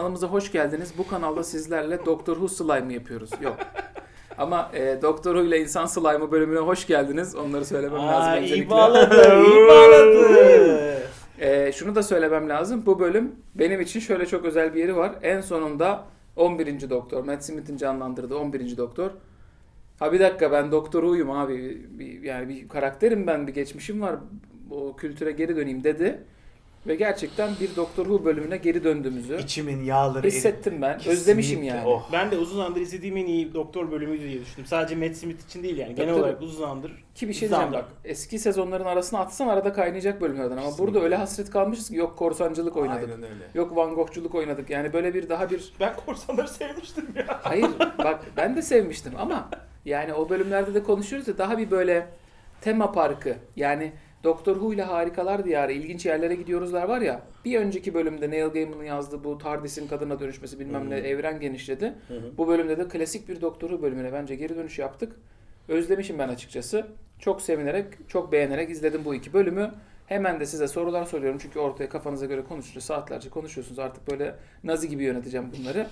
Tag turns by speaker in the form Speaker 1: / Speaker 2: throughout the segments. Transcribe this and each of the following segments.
Speaker 1: Kanalımıza hoş geldiniz. Bu kanalda sizlerle Doktor Who slime yapıyoruz. Yok. Ama Doktor Who ile insan slime'ı bölümüne hoş geldiniz. Onları söylemem lazım öncelikle.
Speaker 2: İyi bağladı, iyi bağladı.
Speaker 1: Şunu da söylemem lazım. Bu bölüm benim için şöyle çok özel bir yeri var. En sonunda 11. Doktor, Matt Smith'in canlandırdığı 11. Doktor. Ha bir dakika, ben Doktor Who'yum abi. Yani bir karakterim ben, bir geçmişim var. O kültüre geri döneyim dedi. Ve gerçekten bir Doktor Who bölümüne geri döndüğümüzü
Speaker 3: İçimin yağları
Speaker 1: hissettim ben.
Speaker 3: Kesinlikle.
Speaker 1: Özlemişim yani.
Speaker 3: Oh.
Speaker 2: Ben de uzun zamandır izlediğim en iyi doktor bölümüydü diye düşündüm. Sadece Matt Smith için değil yani. Genel
Speaker 1: Tabii,
Speaker 2: olarak uzun zamandır.
Speaker 1: Ki bir şey diyeceğim bak. Eski sezonların arasına atsan arada kaynayacak bölümlerden. Ama
Speaker 3: Kesinlikle.
Speaker 1: burada öyle hasret kalmışız ki yok korsancılık oynadık.
Speaker 3: Aynen öyle.
Speaker 1: Yok Van Gogh'culuk oynadık. Yani böyle bir daha bir...
Speaker 2: Ben korsanları sevmiştim ya.
Speaker 1: Hayır bak, ben de sevmiştim ama yani o bölümlerde de konuşuyoruz ya, daha bir böyle tema parkı. Yani Doktor Who ile Harikalar Diyarı, ilginç yerlere gidiyoruzlar var ya. Bir önceki bölümde Neil Gaiman'ın yazdığı bu TARDIS'in kadına dönüşmesi bilmem ne, evren genişledi. Bu bölümde de klasik bir Doktor Who bölümüne bence geri dönüş yaptık. Özlemişim ben açıkçası. Çok sevinerek, çok beğenerek izledim bu iki bölümü. Hemen de size sorular soruyorum çünkü ortaya kafanıza göre konuşunca saatlerce konuşuyorsunuz. Artık böyle Nazi gibi yöneteceğim bunları.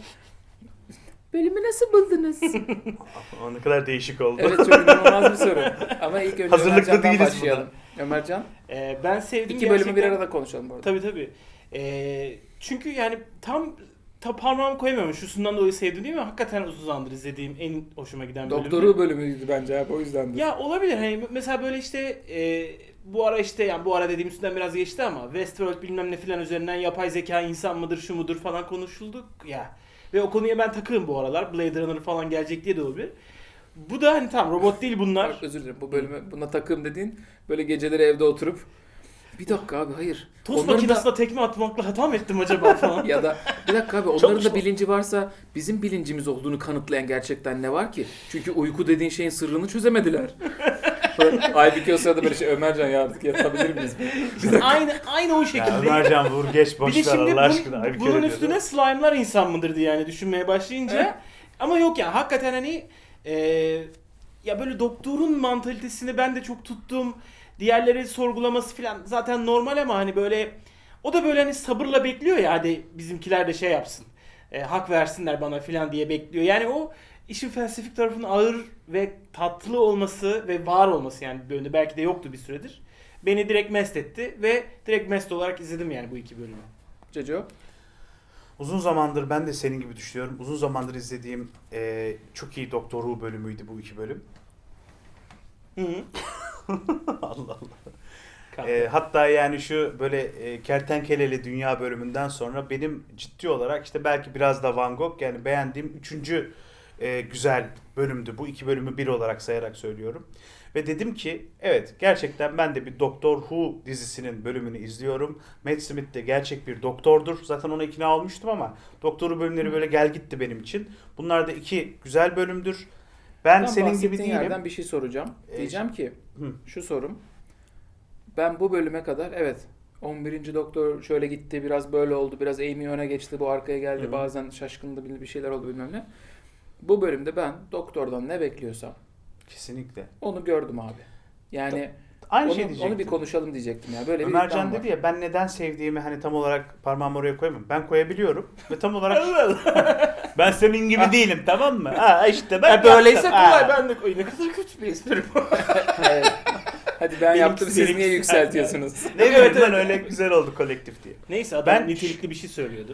Speaker 1: Bölümü nasıl buldunuz?
Speaker 3: O ne kadar değişik oldu.
Speaker 1: Evet, çok inanılmaz bir soru. Ama ilk önce
Speaker 3: Hazırlıklı
Speaker 1: Ömercan'dan
Speaker 3: değiliz
Speaker 1: başlayalım. Ömercan,
Speaker 2: Ben sevdim
Speaker 1: iki bölümü bir arada konuşalım bu arada.
Speaker 2: Tabii. Çünkü yani tam parmağımı koyamıyorum. Şusundan dolayı sevdim değil mi? Hakikaten uzun zamandır izlediğim en hoşuma giden bölüm.
Speaker 1: Doktor Who bölümüydü bence abi, o yüzdendir.
Speaker 2: Ya olabilir hani mesela böyle işte bu ara işte yani bu ara dediğim üstünden biraz geçti ama Westworld bilmem ne filan üzerinden yapay zeka insan mıdır şu mudur falan konuşulduk ya. Ve o konuya ben takığım bu aralar. Blade Runner falan gelecek diye de olabilir. Bu da hani tam robot değil bunlar.
Speaker 1: Bak, özür dilerim, bu bölümü buna takım dediğin böyle geceleri evde oturup bir dakika abi, hayır.
Speaker 2: Tost
Speaker 1: Onların
Speaker 2: makinesine tekme atmakla hata mı ettim acaba falan.
Speaker 1: ya da bir dakika abi, onların da bilinci varsa bizim bilincimiz olduğunu kanıtlayan gerçekten ne var ki? Çünkü uyku dediğin şeyin sırrını çözemediler. Aybüke o sırada böyle şey, Ömercan ya artık yatabilir miyiz?
Speaker 2: aynı o şekilde.
Speaker 3: Ya Ömercan vur geç
Speaker 2: Bir de
Speaker 3: boş ver
Speaker 2: şimdi
Speaker 3: Allah aşkına. Ay, bir
Speaker 2: bunun
Speaker 3: kere
Speaker 2: üstüne
Speaker 3: diyordu.
Speaker 2: slime'lar insan mıdır diye yani düşünmeye başlayınca. Ama yok ya hakikaten hani ya böyle doktorun mantalitesini ben de çok tuttum. Diğerleri sorgulaması falan zaten normal ama hani böyle o da böyle hani sabırla bekliyor ya, hadi bizimkiler de şey yapsın. Hak versinler bana falan diye bekliyor. Yani o işin felsefik tarafının ağır ve tatlı olması ve var olması yani bölümde belki de yoktu bir süredir. Beni direkt mest etti ve direkt mest olarak izledim yani bu iki bölümü.
Speaker 1: Ceco?
Speaker 3: Uzun zamandır ben de senin gibi düşünüyorum. Uzun zamandır izlediğim çok iyi Doktor Who bölümüydü bu iki bölüm.
Speaker 2: Hı.
Speaker 3: Allah Allah. Hatta yani şu böyle Kertenkeleli Dünya bölümünden sonra benim ciddi olarak işte belki biraz da Van Gogh yani beğendiğim üçüncü güzel bölümdü. Bu iki bölümü bir olarak sayarak söylüyorum. Ve dedim ki evet, gerçekten ben de bir Doctor Who dizisinin bölümünü izliyorum. Matt Smith de gerçek bir doktordur. Zaten ona ikna olmuştum ama Doktor Who bölümleri böyle gel gitti benim için. Bunlar da iki güzel bölümdür. Ben senin gibi değilim.
Speaker 1: yerden bir şey soracağım. Diyeceğim ki
Speaker 3: Hı.
Speaker 1: şu sorum. Ben bu bölüme kadar evet 11. Doktor şöyle gitti, biraz böyle oldu, biraz Amy öne geçti, bu arkaya geldi,
Speaker 3: Hı.
Speaker 1: bazen şaşkındı, bir şeyler oldu bilmem ne. Bu bölümde ben doktordan ne bekliyorsam
Speaker 3: Kesinlikle.
Speaker 1: onu gördüm abi. Yani
Speaker 3: Aynı
Speaker 1: onu,
Speaker 3: şey diyecektim.
Speaker 1: onu bir konuşalım diyecektim ya. Böyle bir
Speaker 3: Ömercan
Speaker 1: iddiam var.
Speaker 3: dedi ya, ben neden sevdiğimi hani tam olarak parmağımı oraya koyamam. Ben koyabiliyorum ve tam olarak ben senin gibi değilim, tamam mı? Ha işte ben
Speaker 2: Böyleyse
Speaker 3: yaptım.
Speaker 2: kolay,
Speaker 3: Ha.
Speaker 2: ben de koyayım. Ne kadar kötü bir espri bu.
Speaker 1: Evet. Hadi ben yaptım, siz
Speaker 2: benimkisi.
Speaker 1: niye yükseltiyorsunuz?
Speaker 3: Ne
Speaker 2: Evet,
Speaker 3: evet,
Speaker 2: evet.
Speaker 3: öyle güzel oldu kolektif diye.
Speaker 2: Neyse adam
Speaker 3: Ben-
Speaker 2: nitelikli bir şey söylüyordu.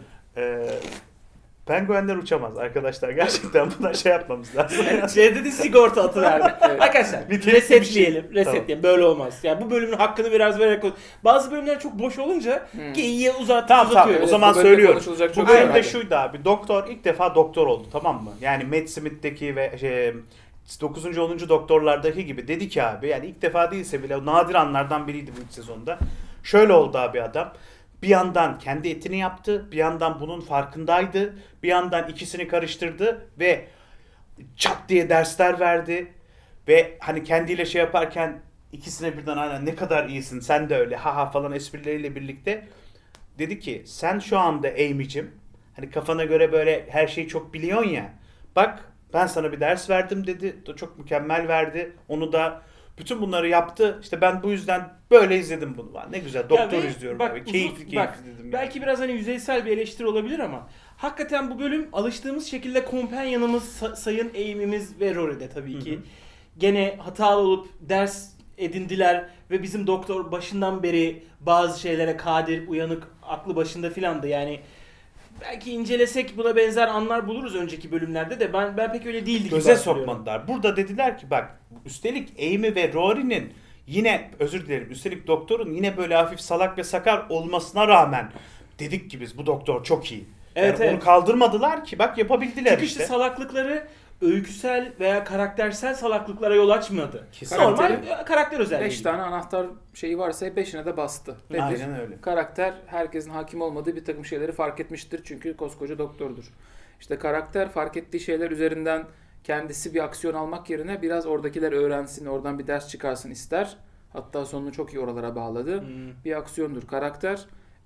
Speaker 3: Penguenler uçamaz arkadaşlar. Gerçekten buna şey yapmamız lazım.
Speaker 2: Şey dedi, sigorta atıverdi.
Speaker 1: Evet.
Speaker 2: Arkadaşlar
Speaker 3: Nitelikli bir
Speaker 2: resetleyelim.
Speaker 3: şey.
Speaker 2: Resetleyelim. Böyle olmaz. Yani bu bölümün hakkını biraz vererek bazı bölümler çok boş olunca geyiğe
Speaker 3: Tamam,
Speaker 2: uzatıyor.
Speaker 3: o zaman
Speaker 1: bu bölümde
Speaker 3: söylüyorum.
Speaker 1: konuşulacak çok
Speaker 3: Bu
Speaker 1: şey
Speaker 3: bölümde
Speaker 1: var.
Speaker 3: şuydu abi. Doktor ilk defa doktor oldu, tamam mı? Yani Matt Smith'teki ve 9. 10. doktorlardaki gibi dedi ki abi, yani ilk defa değilse bile nadir anlardan biriydi bu ilk sezonda. Şöyle oldu abi adam. Bir yandan kendi etini yaptı, bir yandan bunun farkındaydı, bir yandan ikisini karıştırdı ve çat diye dersler verdi. Ve hani kendiyle şey yaparken ikisine birden aynen ne kadar iyisin sen de öyle haha falan esprileriyle birlikte dedi ki sen şu anda Amy'cim hani kafana göre böyle her şeyi çok biliyorsun ya, bak ben sana bir ders verdim dedi, çok mükemmel verdi, onu da Bütün bunları yaptı. İşte ben bu yüzden böyle izledim bunu. Ne güzel doktor
Speaker 2: ve
Speaker 3: izliyorum
Speaker 2: bak,
Speaker 3: abi.
Speaker 2: uzun-
Speaker 3: Keyifli
Speaker 2: bak,
Speaker 3: dedim.
Speaker 2: belki biraz hani yüzeysel bir eleştiri olabilir ama hakikaten bu bölüm alıştığımız şekilde kompanyanımız Sayın Amy'miz ve Rory'de tabii ki. Gene hatalı olup ders edindiler ve bizim doktor başından beri bazı şeylere kadir, uyanık, aklı başında filandı. Yani belki incelesek buna benzer anlar buluruz önceki bölümlerde de ben pek öyle değildi gibi
Speaker 3: Göze
Speaker 2: hatırlıyorum.
Speaker 3: sokmadılar. Burada dediler ki bak üstelik Amy ve Rory'nin yine özür dilerim üstelik doktorun yine böyle hafif salak ve sakar olmasına rağmen dedik ki biz bu doktor çok iyi.
Speaker 2: Evet,
Speaker 3: Yani
Speaker 2: evet.
Speaker 3: onu kaldırmadılar ki bak yapabildiler
Speaker 2: Çünkü
Speaker 3: işte.
Speaker 2: işte salaklıkları öyküsel veya karaktersel salaklıklara yol açmadı.
Speaker 3: Kesinlikle.
Speaker 2: Normal karakter özelliği.
Speaker 1: 5 tane anahtar şeyi varsa 5'ine de bastı. Nedir?
Speaker 3: Aynen öyle.
Speaker 1: Karakter herkesin hakim olmadığı bir takım şeyleri fark etmiştir çünkü koskoca doktordur. İşte karakter fark ettiği şeyler üzerinden kendisi bir aksiyon almak yerine biraz oradakiler öğrensin, oradan bir ders çıkarsın ister. Hatta sonunu çok iyi oralara bağladı. Bir aksiyondur. Karakter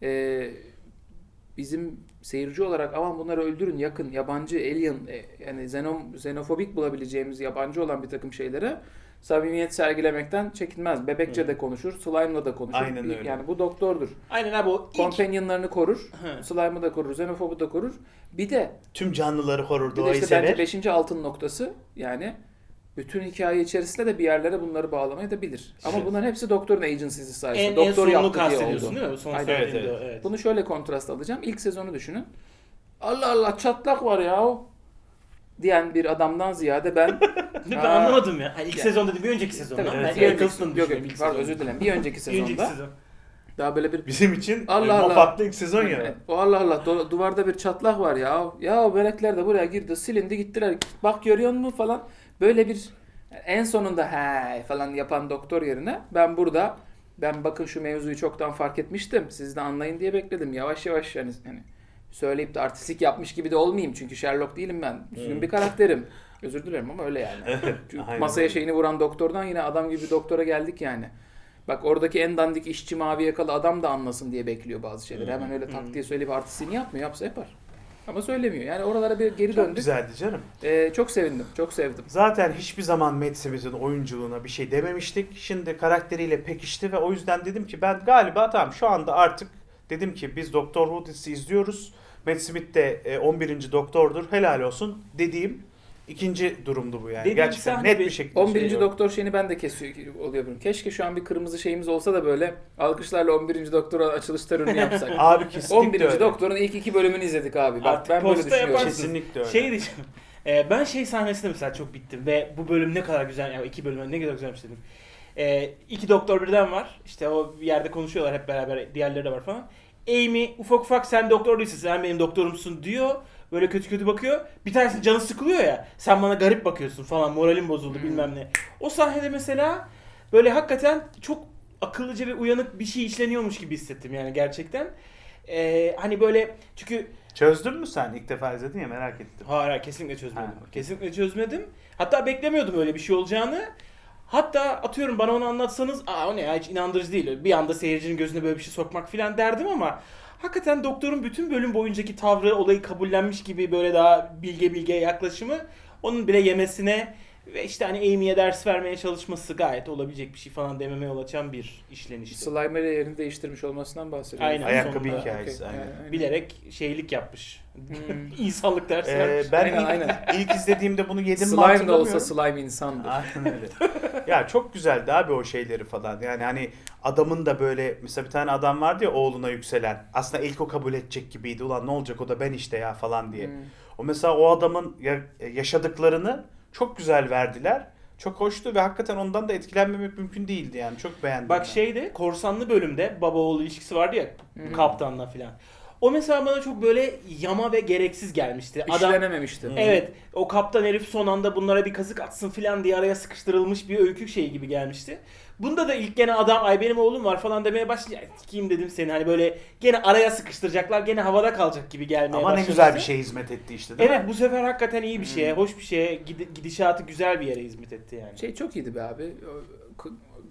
Speaker 1: bizim seyirci olarak aman bunları öldürün, yakın, yabancı, alien, yani xenofobik bulabileceğimiz yabancı olan bir takım şeylere samimiyet sergilemekten çekinmez. Bebekçe de konuşur, slime'la da konuşur.
Speaker 3: Aynen öyle.
Speaker 1: Yani bu doktordur.
Speaker 2: Aynen abi o ilk...
Speaker 1: Companion'larını korur,
Speaker 2: Hı.
Speaker 1: slime'ı da korur, xenofobu da korur. Bir de
Speaker 3: Tüm canlıları korur,
Speaker 1: bir de
Speaker 3: doğayı
Speaker 1: işte
Speaker 3: sever.
Speaker 1: bence 5. altın noktası yani bütün hikaye içerisinde de bir yerlere bunları bağlamayı da bilir. Ama
Speaker 3: Evet.
Speaker 1: bunların hepsi doktorun agency'si sayesinde.
Speaker 2: en
Speaker 1: Doktor
Speaker 2: sonunu
Speaker 1: yaptı diye
Speaker 2: kastediyorsun
Speaker 1: oldu.
Speaker 2: değil mi? Son
Speaker 1: Aynen.
Speaker 2: söylediğinde
Speaker 3: Evet,
Speaker 2: o, evet.
Speaker 1: Bunu şöyle kontrast alacağım. İlk sezonu düşünün. Allah Allah çatlak var ya diyen bir adamdan ziyade ben
Speaker 2: Ben
Speaker 1: Aa.
Speaker 2: anlamadım ya. Hani ilk
Speaker 1: Ya-
Speaker 2: sezon dedi bir önceki sezonda.
Speaker 1: tabii,
Speaker 2: Ben
Speaker 3: evet,
Speaker 1: bir önceki-
Speaker 2: Eccleston'u
Speaker 1: yok
Speaker 2: düşünüyorum
Speaker 1: yok
Speaker 2: ilk
Speaker 1: pardon
Speaker 2: sezonda.
Speaker 1: özür dilerim. Bir önceki
Speaker 2: Bir
Speaker 1: sezonda
Speaker 2: önceki sezon.
Speaker 1: daha böyle bir
Speaker 3: Bizim için
Speaker 1: Allah Allah.
Speaker 3: Moffat'lı ilk sezon ya.
Speaker 1: Evet. O Allah Allah duvarda bir çatlak var ya. Ya melekler de buraya girdi, silindi gittiler. Bak görüyor musun falan. Böyle bir en sonunda he falan yapan doktor yerine ben bakın şu mevzuyu çoktan fark etmiştim. Siz de anlayın diye bekledim. Yavaş yavaş hani söyleyip de artistik yapmış gibi de olmayayım. Çünkü Sherlock değilim ben. Düzgün bir karakterim. Özür dilerim ama öyle yani. Çünkü
Speaker 3: aynen
Speaker 1: masaya
Speaker 3: öyle.
Speaker 1: şeyini vuran doktordan yine adam gibi bir doktora geldik yani. Bak oradaki en dandik işçi mavi yakalı adam da anlasın diye bekliyor bazı şeyleri. Hemen öyle tak diye söyleyip artistliğini yapmıyor. Yapsa yapar. Ama söylemiyor. Yani oralara bir geri
Speaker 3: Çok
Speaker 1: döndük.
Speaker 3: güzeldi canım.
Speaker 1: Çok sevindim. Çok sevdim.
Speaker 3: Zaten hiçbir zaman Matt Smith'in oyunculuğuna bir şey dememiştik. Şimdi karakteriyle pekişti ve o yüzden dedim ki ben galiba tamam şu anda artık dedim ki biz Doktor Who dizisi izliyoruz. Matt Smith de 11. doktordur. Helal olsun dediğim ikinci durumdu bu yani.
Speaker 2: Dediğim
Speaker 3: Gerçekten
Speaker 2: sahne
Speaker 3: net
Speaker 2: bir-
Speaker 3: bir şekilde
Speaker 1: 11.
Speaker 3: şey gördüm.
Speaker 1: doktor şeyini ben de oluyorum. Keşke şu an bir kırmızı şeyimiz olsa da böyle alkışlarla 11. doktora açılış töreni yapsak.
Speaker 3: Abi kesinlikle
Speaker 1: 11.
Speaker 3: öyle.
Speaker 1: doktorun ilk 2 bölümünü izledik abi. Bak
Speaker 2: Artık
Speaker 1: ben böyle
Speaker 2: posta
Speaker 1: düşünüyorum.
Speaker 2: yaparsın.
Speaker 3: Kesinlikle öyle.
Speaker 2: Şey diyeceğim. Ben şey sahnesinde mesela çok bittim ve bu bölüm ne kadar güzel, yani iki bölüm ne kadar güzelmiş dedim. İki doktor birden var. İşte o bir yerde konuşuyorlar hep beraber, diğerleri de var falan. Amy ufak ufak sen doktor değilsin, sen benim doktorumsun diyor. Böyle kötü kötü bakıyor. Bir tanesinin canı sıkılıyor ya. Sen bana garip bakıyorsun falan, moralim bozuldu bilmem ne. O sahnede mesela böyle hakikaten çok akıllıca ve uyanık bir şey işleniyormuş gibi hissettim yani gerçekten. Hani böyle çünkü
Speaker 3: Çözdün mü sen? İlk defa izledin ya merak ettim.
Speaker 2: hayır kesinlikle çözmedim.
Speaker 3: Ha, okey.
Speaker 2: Kesinlikle çözmedim. Hatta beklemiyordum öyle bir şey olacağını. Hatta atıyorum bana onu anlatsanız o ne ya hiç inandırıcı değil. Bir anda seyircinin gözüne böyle bir şey sokmak falan derdim ama hakikaten doktorun bütün bölüm boyuncaki tavrı, olayı kabullenmiş gibi böyle daha bilge yaklaşımı onun bile yemesine ve işte hani Amy'ye ders vermeye çalışması gayet olabilecek bir şey falan dememe yol açan bir işlenişti.
Speaker 1: Slimer yerini değiştirmiş olmasından bahsediyorum.
Speaker 2: Aynen.
Speaker 3: Ayakkabı
Speaker 2: sonunda.
Speaker 3: hikayesi.
Speaker 1: Okey,
Speaker 3: Aynen.
Speaker 2: Bilerek şeylik yapmış.
Speaker 1: Hmm.
Speaker 2: İnsanlık dersi vermiş.
Speaker 3: Ben
Speaker 1: Aynen.
Speaker 3: ilk izlediğimde bunu yedim mi
Speaker 1: Slime de
Speaker 3: hatırlamıyorum.
Speaker 1: olsa slime insandır.
Speaker 3: Aynen öyle. Ya çok güzeldi abi o şeyleri falan. Yani hani adamın da böyle mesela bir tane adam vardı ya oğluna yükselen. Aslında ilk o kabul edecek gibiydi. Ulan ne olacak o da ben işte ya falan diye.
Speaker 1: Hmm.
Speaker 3: O mesela o adamın yaşadıklarını çok güzel verdiler. Çok hoştu ve hakikaten ondan da etkilenmemek mümkün değildi yani. Çok beğendim.
Speaker 2: Bak
Speaker 3: ben.
Speaker 2: şeyde korsanlı bölümde baba oğul ilişkisi vardı ya
Speaker 1: Hı.
Speaker 2: kaptanla filan. O mesela bana çok böyle yama ve gereksiz gelmişti. Adam
Speaker 1: İşlenememişti.
Speaker 2: evet o kaptan herif son anda bunlara bir kazık atsın filan diye araya sıkıştırılmış bir öykü şeyi gibi gelmişti. Bunda da ilk gene adam ay benim oğlum var falan demeye başlayınca kim dedim seni hani böyle gene araya sıkıştıracaklar gene havada kalacak gibi gelmeye
Speaker 3: Ama
Speaker 2: başlamıştı.
Speaker 3: ne güzel bir şey hizmet etti işte değil
Speaker 2: Evet
Speaker 3: mi?
Speaker 2: bu sefer hakikaten iyi bir şeye, hoş bir şeye, gidişatı güzel bir yere hizmet etti yani.
Speaker 1: Şey çok iyiydi be abi.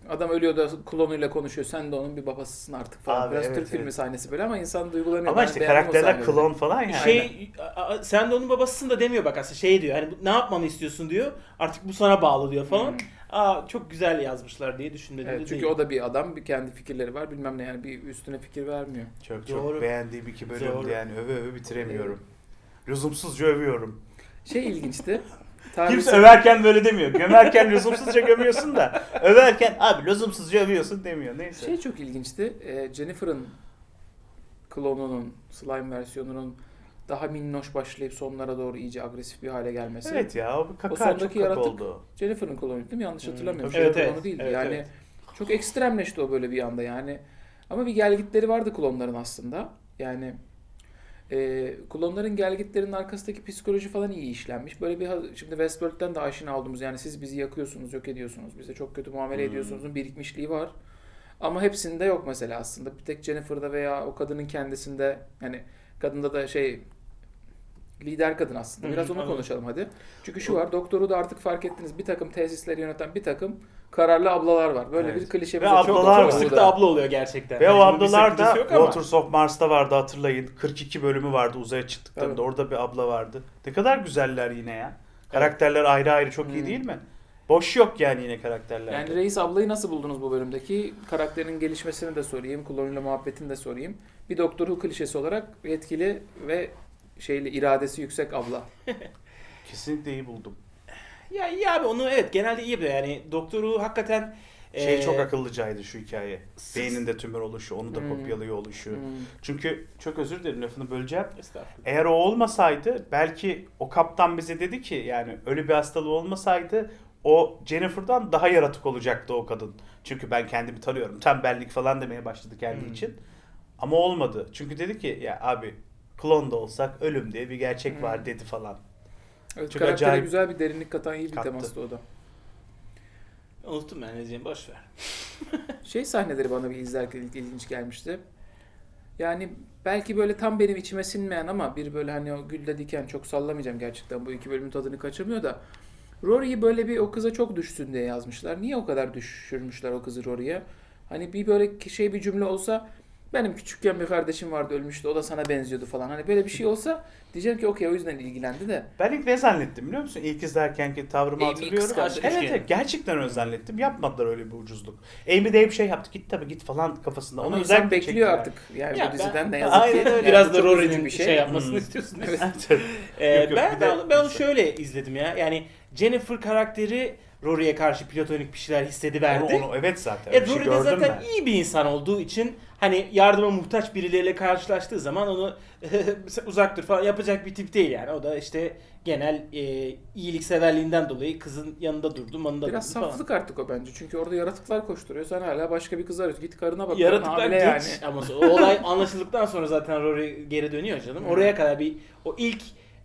Speaker 1: Adam ölüyor da klonuyla konuşuyor. Sen de onun bir babasısın artık falan.
Speaker 3: Abi,
Speaker 1: Biraz
Speaker 3: evet,
Speaker 1: Türk filmi
Speaker 3: evet.
Speaker 1: sahnesi böyle ama insan duygulanıyor.
Speaker 3: Ama
Speaker 1: Ben
Speaker 3: işte
Speaker 1: beğendim o
Speaker 3: karakterler
Speaker 1: sahneleri.
Speaker 3: klon falan yani.
Speaker 2: Sen de onun babasısın da demiyor bak aslında şey diyor. Hani ne yapmamı istiyorsun diyor. Artık bu sana bağlı diyor falan. Çok güzel yazmışlar diye düşünmedim
Speaker 1: Evet,
Speaker 2: de
Speaker 1: çünkü
Speaker 2: değil.
Speaker 1: o da bir adam, bir kendi fikirleri var bilmem ne yani bir üstüne fikir vermiyor.
Speaker 3: Çok
Speaker 2: Doğru.
Speaker 3: beğendiğim 2 bölümdü
Speaker 2: Doğru.
Speaker 3: yani öve bitiremiyorum. Lüzumsuzca övüyorum.
Speaker 1: Şey ilginçti.
Speaker 3: Kimse överken böyle demiyor. Gömerken lüzumsuzca gömüyorsun da överken abi lüzumsuzca övüyorsun demiyor. Neyse.
Speaker 1: Şey çok ilginçti. Jennifer'ın klonunun, slime versiyonunun daha minnoş başlayıp sonlara doğru iyice agresif bir hale gelmesi.
Speaker 3: Evet ya o bir
Speaker 1: O
Speaker 3: kaka
Speaker 1: sondaki
Speaker 3: çok kaka
Speaker 1: yaratık
Speaker 3: oldu.
Speaker 1: Jennifer'ın klonu değil mi? Yanlış hatırlamıyorum.
Speaker 2: tabii. Evet,
Speaker 1: Jennifer'ın
Speaker 2: evet.
Speaker 1: klonu değildi.
Speaker 2: Evet,
Speaker 1: yani
Speaker 2: evet.
Speaker 1: çok ekstremleşti o böyle bir anda yani. Ama bir gelgitleri vardı klonların aslında. Yani klonların gelgitlerinin arkasındaki psikoloji falan iyi işlenmiş. Böyle bir şimdi Westworld'den de aşina olduğumuz yani siz bizi yakıyorsunuz, yok ediyorsunuz, bize çok kötü muamele ediyorsunuzun birikmişliği var. Ama hepsinde yok mesela aslında. Bir tek Jennifer'da veya o kadının kendisinde yani kadında da lider kadın aslında. Biraz onu
Speaker 2: anladım.
Speaker 1: konuşalım hadi. Çünkü şu var, doktoru da artık fark ettiniz. Bir takım tesisleri yöneten bir takım kararlı ablalar var. Böyle
Speaker 3: Evet.
Speaker 1: bir klişe
Speaker 3: Ve
Speaker 1: bize çok
Speaker 3: ablalar
Speaker 2: Çok
Speaker 3: var.
Speaker 2: sık da abla oluyor gerçekten.
Speaker 3: Ve o
Speaker 2: Hani bunun bir
Speaker 3: ablalar da
Speaker 2: sakıncası yok ama.
Speaker 3: Waters of Mars'ta vardı hatırlayın. 42 bölümü vardı uzaya çıktıklarında.
Speaker 1: Evet.
Speaker 3: Orada bir abla vardı. Ne kadar güzeller yine ya. Karakterler ayrı ayrı çok iyi değil mi? Boş yok yani yine karakterlerde.
Speaker 1: Yani Reis ablayı nasıl buldunuz bu bölümdeki? Karakterin gelişmesini de sorayım, klonuyla muhabbetini de sorayım. Bir Doktor Who klişesi olarak yetkili ve iradesi yüksek abla.
Speaker 3: Kesinlikle iyi buldum.
Speaker 2: Ya iyi abi onu evet genelde iyi yapıyor. Yani doktoru hakikaten
Speaker 3: Çok akıllıcaydı şu hikaye.
Speaker 2: Sık-
Speaker 3: Beyninde tümör oluşu, onu da kopyalıyor oluşu.
Speaker 1: Hmm.
Speaker 3: Çünkü çok özür dilerim lafını böleceğim.
Speaker 2: Estağfurullah.
Speaker 3: Eğer o olmasaydı belki o kaptan bize dedi ki yani ölü bir hastalığı olmasaydı o Jennifer'dan daha yaratık olacaktı o kadın. Çünkü ben kendimi tanıyorum. Tembellik falan demeye başladı kendi için. Ama olmadı. Çünkü dedi ki ya abi klon da olsak ölüm diye bir gerçek var dedi falan.
Speaker 1: Evet,
Speaker 3: Çok
Speaker 1: karaktere
Speaker 3: acayip
Speaker 1: güzel bir derinlik katan iyi bir
Speaker 3: kattı.
Speaker 1: temastı o da.
Speaker 2: Unuttum ben ne diyeceğimi boş ver.
Speaker 1: Sahneleri bana bir izlerken ilginç gelmişti. Yani belki böyle tam benim içime sinmeyen ama bir böyle hani o gülde diken çok sallamayacağım gerçekten bu iki bölümün tadını kaçırmıyor da Rory'yi böyle bir o kıza çok düşsün diye yazmışlar. Niye o kadar düşürmüşler o kızı Rory'ye? Hani bir böyle bir cümle olsa benim küçükken bir kardeşim vardı ölmüştü o da sana benziyordu falan. Hani böyle bir şey olsa diyeceğim ki okey o yüzden ilgilendi de.
Speaker 3: Ben ilk ne zannettim biliyor musun? İlk izlerkenki tavrımı
Speaker 1: Amy
Speaker 3: hatırlıyorum.
Speaker 1: kıskandı.
Speaker 3: Evet, gerçekten öyle zannettim. Yapmadılar öyle bir ucuzluk. Amy de hep şey yaptı. Git tabii git falan kafasında.
Speaker 1: Ama
Speaker 3: Onu
Speaker 1: insan
Speaker 3: özellikle
Speaker 1: bekliyor
Speaker 3: çektiler.
Speaker 1: artık. Yani
Speaker 2: Ya
Speaker 1: bu diziden
Speaker 2: ben-
Speaker 1: ne yazık ki.
Speaker 3: Aynen öyle.
Speaker 1: Yani
Speaker 2: Biraz
Speaker 1: bu
Speaker 2: da
Speaker 1: çok üzücü
Speaker 2: Rory'nin şey yapmasını istiyorsun.
Speaker 1: Evet.
Speaker 3: Yok, yok,
Speaker 2: ben
Speaker 3: bir de-
Speaker 2: ben onu şöyle izledim ya. Yani Jennifer karakteri Rory'ye karşı platonik bir şeyler hissediverdi.
Speaker 3: Onu evet zaten. Bir şey
Speaker 2: Rory de
Speaker 3: gördüm
Speaker 2: zaten
Speaker 3: ben.
Speaker 2: iyi bir insan olduğu için hani yardıma muhtaç birileriyle karşılaştığı zaman onu uzak dur falan yapacak bir tip değil yani. O da işte genel iyilikseverliğinden dolayı kızın yanında durdu, manında
Speaker 1: Biraz
Speaker 2: durdu falan.
Speaker 1: saflık artık o bence. Çünkü orada yaratıklar koşturuyor. Sen hala başka bir kız arıyorsun. Git karına bak.
Speaker 2: Yaratıklar
Speaker 1: hamile
Speaker 2: geç
Speaker 1: yani.
Speaker 2: ama o olay anlaşıldıktan sonra zaten Rory geri dönüyor canım. Oraya kadar o ilk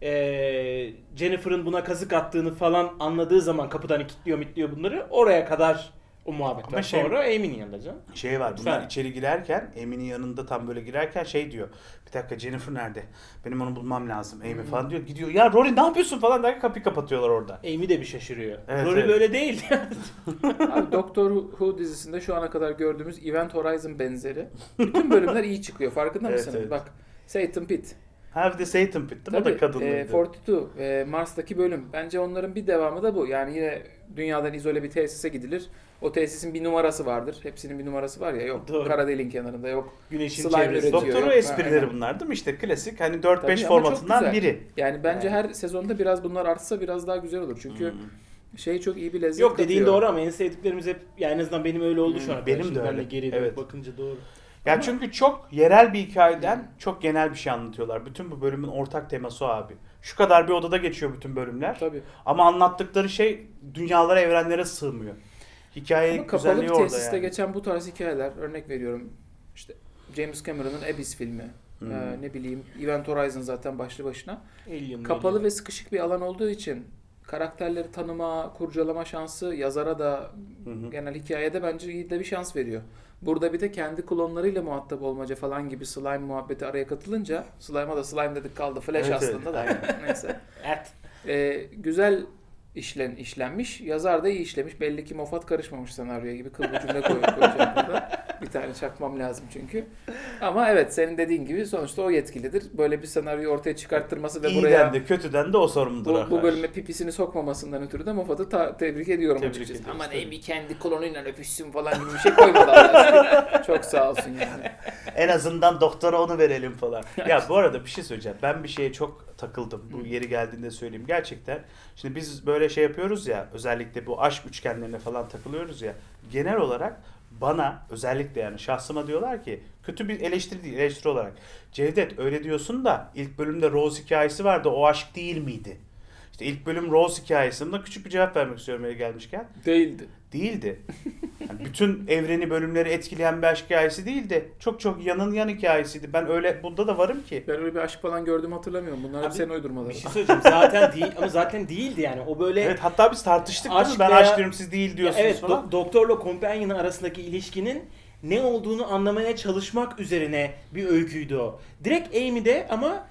Speaker 2: Jennifer'ın buna kazık attığını falan anladığı zaman kapıdan kilitliyor bunları. Oraya kadar o muhabbet
Speaker 3: Ama
Speaker 2: var.
Speaker 3: şey-
Speaker 2: Sonra Amy'nin yanında canım.
Speaker 3: Şey var bunlar
Speaker 2: Lütfen.
Speaker 3: içeri girerken Amy'nin yanında tam böyle girerken şey diyor. Bir dakika Jennifer nerede? Benim onu bulmam lazım. Amy falan diyor. Gidiyor ya Rory ne yapıyorsun falan derken kapıyı kapatıyorlar orada.
Speaker 2: Amy de bir şaşırıyor.
Speaker 3: Evet,
Speaker 2: Rory
Speaker 3: evet.
Speaker 2: böyle değil.
Speaker 1: Abi Doctor Who dizisinde şu ana kadar gördüğümüz Event Horizon benzeri. Bütün bölümler iyi çıkıyor. Farkında
Speaker 3: Evet,
Speaker 1: mısınız?
Speaker 3: evet.
Speaker 1: Bak. Satan Pitt.
Speaker 3: Ha bir de Satan Pitt değil mi? O da
Speaker 1: Tabii,
Speaker 3: kadınlıydı.
Speaker 1: 42. Mars'taki bölüm. Bence onların bir devamı da bu. Yani yine dünyadan izole bir tesise gidilir. O tesisin bir numarası vardır. Hepsinin bir numarası var ya. Yok
Speaker 2: Doğru.
Speaker 1: kara deliğin kenarında. Yok.
Speaker 2: Güneşin
Speaker 1: Slime
Speaker 2: çevresi.
Speaker 1: üretiyor.
Speaker 3: Doktoru
Speaker 1: Yok,
Speaker 3: esprileri
Speaker 1: aynen.
Speaker 3: bunlar değil mi? İşte klasik hani
Speaker 1: Tabii
Speaker 3: 4-5
Speaker 1: ama çok
Speaker 3: formatından
Speaker 1: güzel.
Speaker 3: biri.
Speaker 1: Yani bence
Speaker 3: Yani.
Speaker 1: her sezonda biraz bunlar artsa biraz daha güzel olur. Çünkü çok iyi bir lezzet
Speaker 2: Yok dediğin
Speaker 1: katıyor.
Speaker 2: doğru ama en sevdiklerimiz hep yani en azından benim öyle oldu şu an.
Speaker 3: Benim
Speaker 2: Şimdi
Speaker 3: de öyle.
Speaker 2: benle geri dönüp
Speaker 3: Evet.
Speaker 2: bakınca doğru.
Speaker 3: Ya
Speaker 1: Ama-
Speaker 3: çünkü çok yerel bir hikayeden çok genel bir şey anlatıyorlar. Bütün bu bölümün ortak teması o abi. Şu kadar bir odada geçiyor bütün bölümler.
Speaker 1: Tabii.
Speaker 3: Ama anlattıkları şey dünyalara, evrenlere sığmıyor. Hikaye
Speaker 1: Ama kapalı
Speaker 3: güzelliği
Speaker 1: bir
Speaker 3: orada
Speaker 1: tesiste
Speaker 3: yani.
Speaker 1: geçen bu tarz hikayeler, örnek veriyorum işte James Cameron'ın Abyss filmi, ne bileyim Event Horizon zaten başlı başına. Kapalı ve sıkışık bir alan olduğu için karakterleri tanıma, kurcalama şansı yazara da genel hikayede bence iyi de bir şans veriyor. Burada bir de kendi klonlarıyla muhatap olmaca falan gibi slime muhabbeti araya katılınca, slime'a da slime dedik kaldı, Flash
Speaker 3: Evet,
Speaker 1: aslında da neyse.
Speaker 2: Evet.
Speaker 1: Güzel işlenmiş. Yazar da iyi işlemiş. Belli ki Moffat karışmamış senaryoya gibi kıl bir cümle koyacağım burada. Bir tane çakmam lazım çünkü. Ama evet senin dediğin gibi sonuçta o yetkilidir. Böyle bir senaryoyu ortaya çıkarttırması ve
Speaker 3: İyiden
Speaker 1: buraya
Speaker 3: de kötüden de o sorumludur
Speaker 1: bu
Speaker 3: arkadaş.
Speaker 1: bölüme pipisini sokmamasından ötürü de Moffat'ı tebrik ediyorum
Speaker 3: Tebrik
Speaker 1: açıkçası.
Speaker 3: ediyoruz,
Speaker 1: Aman
Speaker 3: tabii.
Speaker 1: Amy kendi klonuyla öpüşsün falan gibi bir şey koymadı Allah. Çok sağ olsun yani.
Speaker 3: En azından doktora onu verelim falan. Ya bu arada bir şey söyleyeceğim. Ben bir şeye çok takıldım. Bu yeri geldiğinde söyleyeyim. Gerçekten. Şimdi biz böyle şey yapıyoruz ya. Özellikle bu aşk üçgenlerine falan takılıyoruz ya. Genel olarak bana özellikle yani şahsıma diyorlar ki kötü bir eleştiri değil, eleştiri olarak. Cevdet öyle diyorsun da ilk bölümde Rose hikayesi vardı. O aşk değil miydi? İşte ilk bölüm Rose hikayesinde küçük bir cevap vermek istiyorum yeri gelmişken.
Speaker 1: Değildi.
Speaker 3: Değildi. Yani bütün evreni bölümleri etkileyen bir aşk hikayesi değildi. Çok çok yan hikayesiydi. Ben öyle bunda da varım ki.
Speaker 1: Ben öyle bir aşk falan gördüğümü hatırlamıyorum. Bunlar hep
Speaker 2: Abi,
Speaker 1: senin uydurmaların.
Speaker 2: Bir şey söyleyeceğim. Zaten değil ama zaten değildi yani. O böyle
Speaker 3: Evet hatta biz tartıştık değil mi?
Speaker 2: Aşk
Speaker 3: Ben
Speaker 2: veya-
Speaker 3: aşk diyorum siz değil diyorsunuz
Speaker 2: evet,
Speaker 3: falan.
Speaker 2: doktorla companion arasındaki ilişkinin ne olduğunu anlamaya çalışmak üzerine bir öyküydü o. Direkt Amy'de ama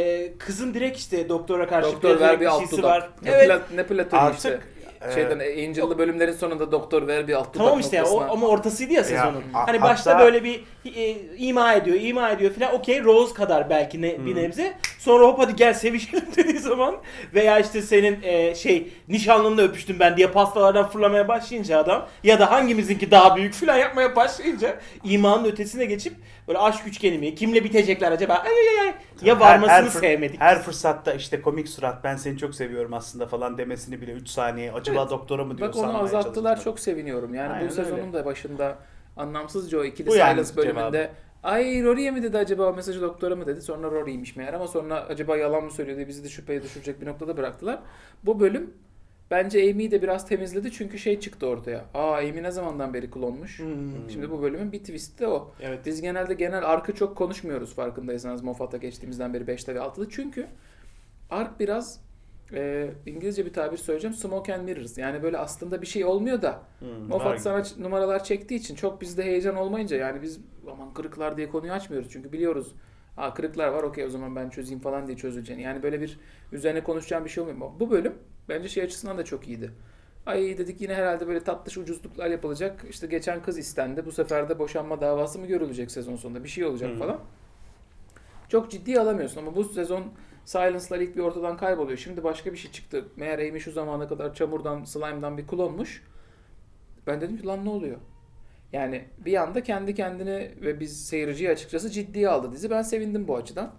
Speaker 2: kızın direkt işte doktora karşı
Speaker 1: Doktor ver bir alt
Speaker 2: şeysi
Speaker 1: dudak.
Speaker 2: var.
Speaker 1: Ne,
Speaker 2: Evet.
Speaker 1: ne platonu
Speaker 3: Artık,
Speaker 1: işte.
Speaker 3: e,
Speaker 1: Şeyden Angel'lı bölümlerin sonunda doktor ver bir alt dudak
Speaker 2: Tamam işte o,
Speaker 1: noktasına.
Speaker 2: ama ortasıydı ya sezonun.
Speaker 3: a-
Speaker 2: Hani başta
Speaker 3: hatta-
Speaker 2: böyle bir ima ediyor filan. Okey, Rose kadar belki bir nebze. Sonra hop hadi gel sevişelim dediği zaman veya işte senin nişanlınla öpüştüm ben diye pastalardan fırlamaya başlayınca adam ya da hangimizinki daha büyük filan yapmaya başlayınca imanın ötesine geçip böyle aşk üçgeni mi? Kimle bitecekler acaba? Ay. Ya varmasını sevmedik.
Speaker 3: Her fırsatta işte komik surat ben seni çok seviyorum aslında falan demesini bile 3 saniye acaba
Speaker 1: Evet.
Speaker 3: doktora mı diyor
Speaker 1: Bak onu
Speaker 3: sanmaya
Speaker 1: azalttılar,
Speaker 3: çalıştılar.
Speaker 1: çok seviniyorum. Yani
Speaker 3: Aynen
Speaker 1: bu sezonun
Speaker 3: öyle.
Speaker 1: da başında anlamsızca o ikili
Speaker 3: Bu yani
Speaker 1: Silence bölümünde
Speaker 3: cevabı.
Speaker 1: ay Rory'e mi dedi acaba o mesajı doktora mı dedi. Sonra Rory'ymiş meğer ama sonra acaba yalan mı söylüyor diye bizi de şüpheye düşürecek bir noktada bıraktılar. Bu bölüm bence Amy'yi de biraz temizledi çünkü şey çıktı ortaya. Amy ne zamandan beri klonmuş. Şimdi bu bölümün bir twist'i de o.
Speaker 2: Evet.
Speaker 1: Biz genel arkı çok konuşmuyoruz farkındaysanız Moffat'a geçtiğimizden beri 5'te ve 6'da. Çünkü ark biraz İngilizce bir tabir söyleyeceğim. Smoke and mirrors. Yani böyle aslında bir şey olmuyor da
Speaker 3: var
Speaker 1: Moffat
Speaker 3: gibi.
Speaker 1: sana numaralar çektiği için çok bizde heyecan olmayınca yani biz aman kırıklar diye konuyu açmıyoruz. Çünkü biliyoruz kırıklar var okey o zaman ben çözeyim falan diye çözüleceğini. Yani böyle bir üzerine konuşacağım bir şey olmuyor. Bu bölüm bence şey açısından da çok iyiydi. Ay dedik yine herhalde böyle tatlış ucuzluklar yapılacak. İşte geçen kız istendi. Bu sefer de boşanma davası mı görülecek sezon sonunda? Bir şey olacak falan. Çok ciddiye alamıyorsun ama bu sezon Silence'lar ilk bir ortadan kayboluyor. Şimdi başka bir şey çıktı. Meğer Amy şu zamana kadar çamurdan, slime'dan bir klonmuş. Ben dedim ki lan ne oluyor? Yani bir anda kendi kendini ve biz seyirciyi açıkçası ciddiye aldı dizi. Ben sevindim bu açıdan.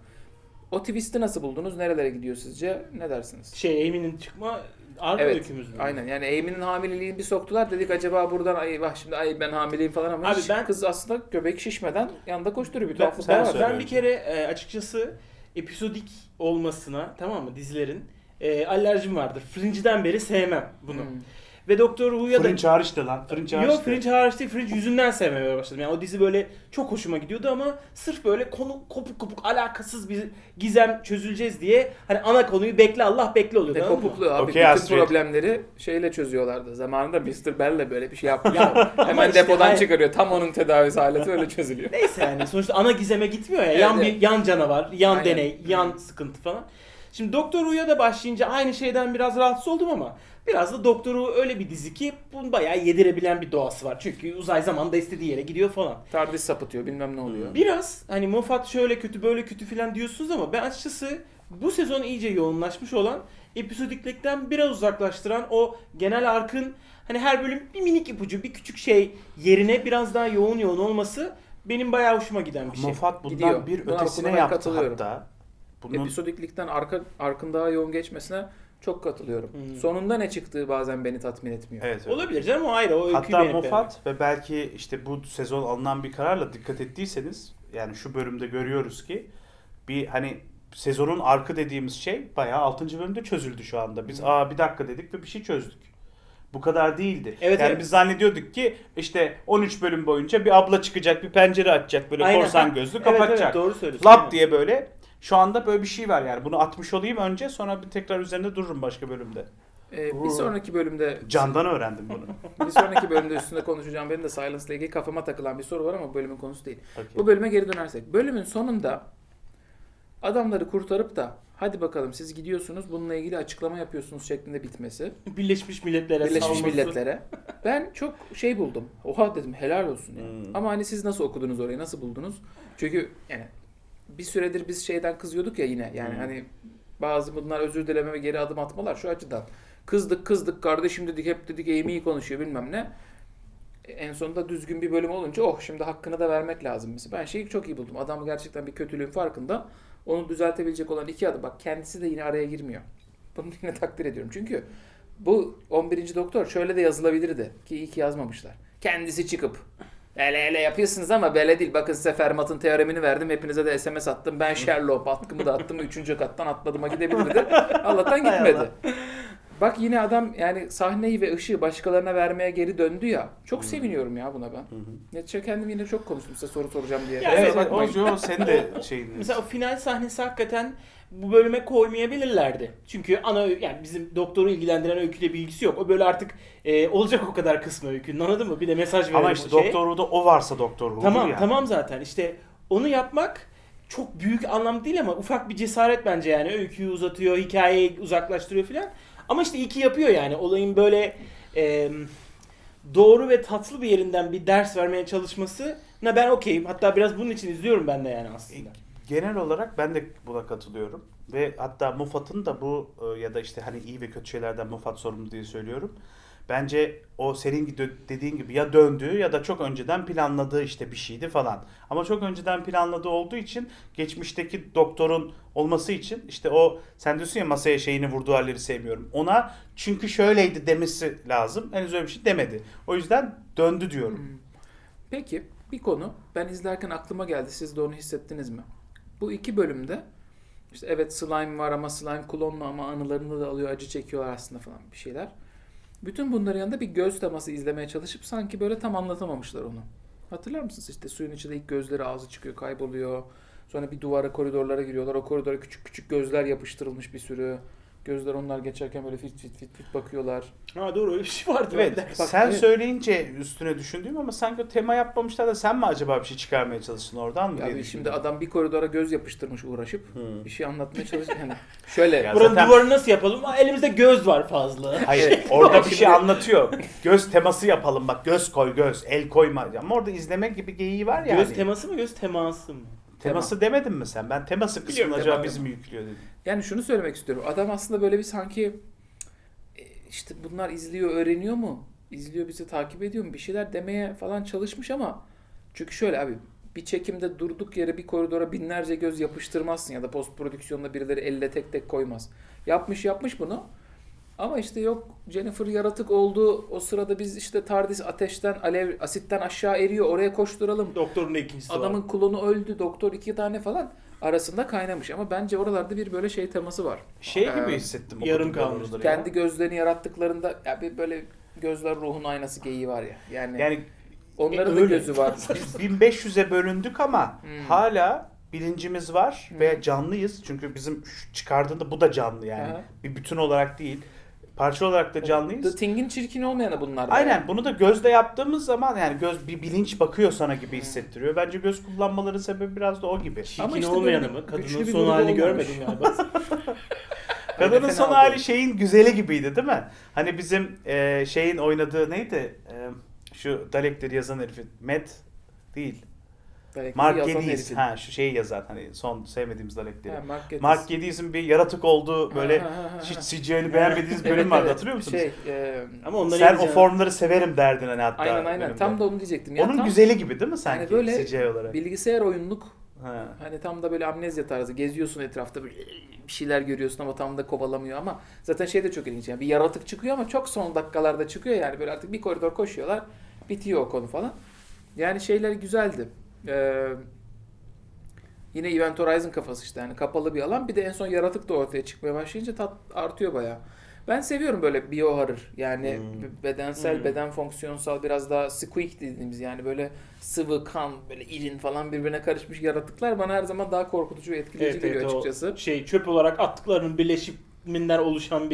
Speaker 1: O twist'i nasıl buldunuz? Nerelere gidiyor sizce? Ne dersiniz?
Speaker 2: Amy'nin çıkma arka
Speaker 1: Evet.
Speaker 2: öykümüz mü?
Speaker 1: Aynen. Yani Amy'nin hamileliğini bir soktular. Dedik acaba buradan ay vah şimdi ay ben hamileyim falan ama
Speaker 2: Abi
Speaker 1: hiç
Speaker 2: ben-
Speaker 1: kız aslında göbek şişmeden yanında koşturuyor. Bir
Speaker 2: Ben,
Speaker 1: tuhaflık
Speaker 3: sen
Speaker 1: var.
Speaker 3: söyle.
Speaker 2: ben bir kere açıkçası episodik olmasına, tamam mı, dizilerin alerjim vardır. Fringe'den beri sevmem bunu.
Speaker 1: Hmm.
Speaker 2: Ve Doktor Who'ya da...
Speaker 3: Fringe hariç de lan. Fringe hariç
Speaker 2: Yok,
Speaker 3: de.
Speaker 2: Fringe hariç değil. Fringe yüzünden sevmemeye başladım. Yani o dizi böyle çok hoşuma gidiyordu ama sırf böyle konu kopuk alakasız bir gizem çözüleceğiz diye hani ana konuyu bekle Allah bekle oluyordu.
Speaker 1: Ne
Speaker 2: anladın mı?
Speaker 1: kopukluğu abi.
Speaker 3: Okey,
Speaker 1: Bütün
Speaker 3: Astrid.
Speaker 1: problemleri şeyle çözüyorlardı. Zamanında Mr. Bell'le böyle bir şey yapmış.
Speaker 2: Ya, ama
Speaker 1: Hemen
Speaker 2: işte
Speaker 1: depodan
Speaker 2: hayır.
Speaker 1: çıkarıyor. Tam onun tedavisi aleti öyle çözülüyor.
Speaker 2: Neyse yani sonuçta ana gizeme gitmiyor ya.
Speaker 1: Evet,
Speaker 2: yan
Speaker 1: evet.
Speaker 2: bir yan canavar, yan
Speaker 1: Aynen.
Speaker 2: deney, yan sıkıntı falan. Şimdi Doktor Who'ya da başlayınca aynı şeyden biraz rahatsız oldum ama biraz da Doktor Who öyle bir dizi ki bunu bayağı yedirebilen bir doğası var. Çünkü uzay zamanda istediği yere gidiyor falan.
Speaker 1: TARDIS sapıtıyor bilmem ne oluyor.
Speaker 2: Biraz hani Moffat şöyle kötü böyle kötü falan diyorsunuz ama ben açıkçası bu sezon iyice yoğunlaşmış olan episodiklikten biraz uzaklaştıran o genel arkın hani her bölüm bir minik ipucu bir küçük şey yerine biraz daha yoğun olması benim bayağı hoşuma giden bir şey.
Speaker 3: Moffat bundan
Speaker 1: Gidiyor.
Speaker 3: bir
Speaker 1: Buna
Speaker 3: ötesine
Speaker 1: ben
Speaker 3: yaptı
Speaker 1: katılıyorum.
Speaker 3: hatta. Bunun
Speaker 1: Episodiklikten arkın daha yoğun geçmesine çok katılıyorum. Sonunda ne çıktığı bazen beni tatmin etmiyor.
Speaker 3: evet, evet.
Speaker 2: Olabilir canım, o ayrı, o öyküyü
Speaker 3: Hatta
Speaker 2: beğenip
Speaker 3: Moffat ve belki işte bu sezon alınan bir kararla dikkat ettiyseniz yani şu bölümde görüyoruz ki bir hani sezonun arkı dediğimiz şey bayağı 6. bölümde çözüldü şu anda. Biz bir dakika dedik ve bir şey çözdük. Bu kadar değildi.
Speaker 2: Evet,
Speaker 3: yani
Speaker 2: evet.
Speaker 3: biz zannediyorduk ki işte 13 bölüm boyunca bir abla çıkacak, bir pencere açacak, böyle
Speaker 2: Aynen.
Speaker 3: korsan gözlü
Speaker 2: Evet,
Speaker 3: kapatacak.
Speaker 2: evet, doğru söylüyorsun.
Speaker 3: Lap
Speaker 2: Aynen.
Speaker 3: diye böyle. Şu anda böyle bir şey var yani. Bunu atmış olayım önce sonra bir tekrar üzerinde dururum başka bölümde.
Speaker 1: Bir sonraki bölümde
Speaker 3: Candan öğrendim bunu.
Speaker 1: bir sonraki bölümde üstünde konuşacağım. Benim de Silence'la ilgili kafama takılan bir soru var ama bu bölümün konusu değil.
Speaker 3: Okey.
Speaker 1: Bu bölüme geri dönersek. Bölümün sonunda adamları kurtarıp da hadi bakalım siz gidiyorsunuz bununla ilgili açıklama yapıyorsunuz şeklinde bitmesi.
Speaker 2: Birleşmiş Milletler'e
Speaker 1: Birleşmiş
Speaker 2: salması.
Speaker 1: Milletler'e. Ben çok şey buldum. Oha dedim helal olsun. Yani. Ama hani siz nasıl okudunuz orayı, nasıl buldunuz? Çünkü yani bir süredir biz şeyden kızıyorduk ya yine. Yani hani bazı bunlar özür dileme ve geri adım atmalar şu açıdan. Kızdık kardeşim dedik, hep dedik Amy iyi konuşuyor bilmem ne. En sonunda düzgün bir bölüm olunca şimdi hakkını da vermek lazım. Mesela ben şeyi çok iyi buldum. Adam gerçekten bir kötülüğün farkında. Onu düzeltebilecek olan 2 adım. Bak kendisi de yine araya girmiyor. Bunu yine takdir ediyorum. Çünkü bu 11. Doktor şöyle de yazılabilirdi. Ki iyi ki yazmamışlar. Kendisi çıkıp hele yapıyorsunuz ama böyle değil. Bakın size Fermat'ın teoremini verdim. Hepinize de SMS attım. Ben Sherlock atkımı da attım. 3. kattan atladığıma gidebilirdi. Allah'tan gitmedi. Bak yine adam yani sahneyi ve ışığı başkalarına vermeye geri döndü ya. Çok seviniyorum ya buna ben. Netçe kendim yine çok konuştum size soru soracağım diye.
Speaker 2: Ya
Speaker 3: Evet,
Speaker 2: evet,
Speaker 3: o senin de şeyin.
Speaker 2: Mesela o final sahnesi hakikaten bu bölüme koymayabilirlerdi. Çünkü yani bizim doktoru ilgilendiren öyküyle bir ilgisi yok. O böyle artık olacak o kadar kısmı öykünün, anladın mı? Bir de mesaj verelim
Speaker 3: Ama işte Doktor Who'da o varsa Doktor Who'dur
Speaker 2: Tamam
Speaker 3: yani.
Speaker 2: tamam zaten işte onu yapmak çok büyük anlam değil ama ufak bir cesaret bence yani. Öyküyü uzatıyor, hikayeyi uzaklaştırıyor filan. Ama işte iyi ki yapıyor yani. Olayın böyle doğru ve tatlı bir yerinden bir ders vermeye çalışmasına ben okeyim. Hatta biraz bunun için izliyorum ben de yani aslında.
Speaker 3: Genel olarak ben de buna katılıyorum. Ve hatta Moffat'ın da bu ya da işte hani iyi ve kötü şeylerden Moffat sorumlu diye söylüyorum. Bence o senin dediğin gibi ya döndüğü ya da çok önceden planladığı işte bir şeydi falan. Ama çok önceden planladığı olduğu için geçmişteki doktorun olması için işte o sen diyorsun ya masaya şeyini vurduğu halleri sevmiyorum. Ona çünkü şöyleydi demesi lazım. Henüz öyle bir şey demedi. O yüzden döndü diyorum.
Speaker 1: Peki bir konu ben izlerken aklıma geldi. Siz de onu hissettiniz mi? Bu 2 bölümde işte evet slime var ama slime klonlu ama anılarını da alıyor, acı çekiyorlar aslında falan bir şeyler. Bütün bunların yanında bir göz teması izlemeye çalışıp sanki böyle tam anlatamamışlar onu. Hatırlar mısınız işte suyun içinde ilk gözleri ağzı çıkıyor, kayboluyor. Sonra bir duvara, koridorlara giriyorlar. O koridora küçük küçük gözler yapıştırılmış bir sürü. Gözler onlar geçerken böyle fit bakıyorlar.
Speaker 2: Ha doğru, öyle bir şey vardı.
Speaker 3: Evet,
Speaker 1: Bak,
Speaker 3: sen
Speaker 1: evet.
Speaker 3: söyleyince üstüne düşündüğüm ama sanki o tema yapmamışlar da sen mi acaba bir şey çıkarmaya çalıştın oradan mı diye
Speaker 1: Ya şimdi
Speaker 3: düşündüm.
Speaker 1: adam bir koridora göz yapıştırmış uğraşıp bir şey anlatmaya çalışıyor. Yani şöyle
Speaker 3: Ya
Speaker 2: Buranın
Speaker 3: zaten-
Speaker 2: duvarını nasıl yapalım? Aa, elimizde göz var fazla.
Speaker 3: Hayır, orada bir şey anlatıyor. Göz teması yapalım bak, göz koy, el koyma. Ama orada izleme gibi geyiği var yani.
Speaker 2: Göz teması mı, göz teması mı?
Speaker 3: Teması demedin mi sen? Ben teması
Speaker 2: Biliyorum,
Speaker 3: kısmını acaba
Speaker 1: tema.
Speaker 3: biz mi yüklüyor dedim.
Speaker 1: Yani şunu söylemek istiyorum. Adam aslında böyle bir sanki işte bunlar izliyor, öğreniyor mu? İzliyor, bizi takip ediyor mu? Bir şeyler demeye falan çalışmış ama çünkü şöyle abi bir çekimde durduk yere bir koridora binlerce göz yapıştırmazsın ya da post prodüksiyonda birileri elle tek tek koymaz. Yapmış bunu. Ama işte yok Jennifer yaratık oldu. O sırada biz işte TARDIS ateşten, asitten aşağı eriyor. Oraya koşturalım.
Speaker 2: Doktorun da ikincisi
Speaker 1: Adamın
Speaker 2: var.
Speaker 1: klonu öldü. Doktor 2 tane falan arasında kaynamış. Ama bence oralarda bir böyle şey teması var.
Speaker 3: Şey gibi
Speaker 1: Ee,
Speaker 3: hissettim.
Speaker 2: yarım
Speaker 3: okudukları
Speaker 2: kalmış.
Speaker 3: oraları ya.
Speaker 1: Kendi gözlerini yarattıklarında ya bir böyle gözler ruhun aynası geyiği var ya. Yani onların da
Speaker 2: öyle.
Speaker 1: gözü var.
Speaker 3: Biz 1500'e bölündük ama hala bilincimiz var ve canlıyız. Çünkü bizim çıkardığında bu da canlı yani.
Speaker 1: Aha.
Speaker 3: Bir bütün olarak değil. Parça olarak da canlıyız.
Speaker 1: The Thing'in çirkin olmayanı bunlar. da
Speaker 3: Aynen,
Speaker 1: yani.
Speaker 3: bunu da gözle yaptığımız zaman yani göz bir bilinç bakıyor sana gibi hissettiriyor. Bence göz kullanmaları sebebi biraz da o gibi.
Speaker 1: Ama
Speaker 2: Çirkin
Speaker 1: işte
Speaker 2: olmayanı
Speaker 1: böyle
Speaker 2: mı?
Speaker 1: güçlü
Speaker 2: Kadının
Speaker 1: bir
Speaker 2: son
Speaker 1: grubu
Speaker 2: halini
Speaker 1: olmamış.
Speaker 2: görmedim galiba.
Speaker 3: Kadının
Speaker 1: fena
Speaker 3: son
Speaker 1: oldu.
Speaker 3: hali şeyin güzeli gibiydi değil mi? Hani bizim şeyin oynadığı neydi? Şu Dalekleri yazan herifin. Matt değil.
Speaker 1: Belki
Speaker 3: Mark
Speaker 1: yazan
Speaker 3: Geddes.
Speaker 1: herifin.
Speaker 3: Ha şu şeyi yazan hani son sevmediğimiz Dalekleri.
Speaker 1: Ha, Mark Geddes.
Speaker 3: Mark Geddes'in bir yaratık olduğu böyle
Speaker 1: Ha, ha, ha, ha.
Speaker 3: hiç CGI'ni beğenmediğiniz bölüm vardı, hatırlıyor musunuz?
Speaker 2: Ama onları
Speaker 3: Sen o
Speaker 2: izleyeceğim.
Speaker 3: formları severim derdin hani hatta.
Speaker 1: Aynen.
Speaker 3: bölümde.
Speaker 1: Tam da onu diyecektim. Ya
Speaker 3: Onun
Speaker 1: tam
Speaker 3: güzeli gibi değil mi sanki
Speaker 1: Yani böyle
Speaker 3: CGI olarak?
Speaker 1: bilgisayar oyunluk
Speaker 3: Ha.
Speaker 1: hani tam da böyle amnezya tarzı geziyorsun etrafta böyle bir şeyler görüyorsun ama tam da kovalamıyor ama zaten şey de çok ilginç yani bir yaratık çıkıyor ama çok son dakikalarda çıkıyor yani böyle artık bir koridor koşuyorlar bitiyor o konu falan. Yani şeyler güzeldi. Yine Event Horizon kafası işte yani kapalı bir alan bir de en son yaratık da ortaya çıkmaya başlayınca tat artıyor bayağı. Ben seviyorum böyle biohorror yani bedensel, beden fonksiyonsal biraz daha squeak dediğimiz yani böyle sıvı, kan, böyle irin falan birbirine karışmış yaratıklar bana her zaman daha korkutucu ve etkileyici geliyor
Speaker 2: o
Speaker 1: açıkçası.
Speaker 2: çöp olarak attıklarının birleşiminden oluşan bir